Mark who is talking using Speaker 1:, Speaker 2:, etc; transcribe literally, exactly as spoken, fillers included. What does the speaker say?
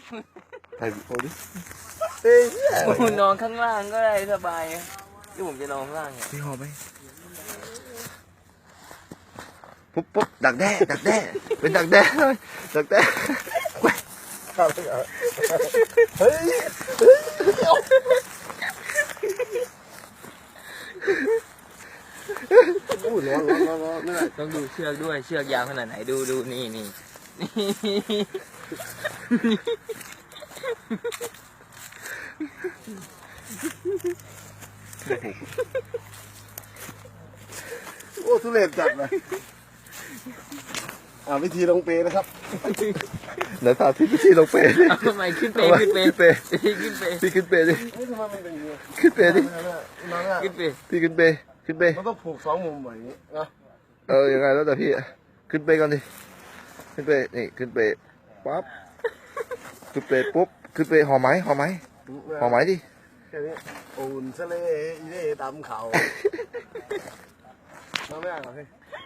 Speaker 1: ถ่ายโอ้ดิเฮ้ย
Speaker 2: ผมนอนข้างล่างก็ได้สบายที่ผมจะนอนข้างล่างเนี่ย
Speaker 1: พี่หอมไหมปุ๊บปุ๊บดักแด้ดักแด้เป็นดักแด้เลยดักแด้เฮ้ยโอ้ร้อนร้อนร้อนร้อนนี่แหละ
Speaker 2: ต้องดูเชือกด้วยเชือกยาวขนาดไหนดูดูนี่นี่
Speaker 1: โอ้ทุเรศจัดเลยอ่าวิธีลงเปนะครับเดี๋ยวสาธิตวิธีลงเปดิ
Speaker 2: เอาทำไมขึ้นเปขึ้นเป
Speaker 1: ขึ้นเป
Speaker 2: ขึ้นเป
Speaker 1: พี่ขึ้นเปดิ
Speaker 3: เฮ้ยทำไมมันเป็นอย่างนี้
Speaker 1: ขึ้นเปดิ
Speaker 3: นั่นน่ะ
Speaker 2: ขึ้นเป
Speaker 1: พี่ขึ้นเปขึ้นเป
Speaker 3: มันต้องผูกสองมุมแบบนี้นะ
Speaker 1: เออยังไงแล้วแต่พี่ขึ้นเปก่อนดิขึ้นเปนี่ขึ้นเปปั๊บขึ้นเปปุ๊บขึ้นเปหอมไหมหอมไหมหอมไหมดิ
Speaker 3: แค่นี้อุ่นทะเลอีเล่ตามเขาน้ำแม่ก่อนพี่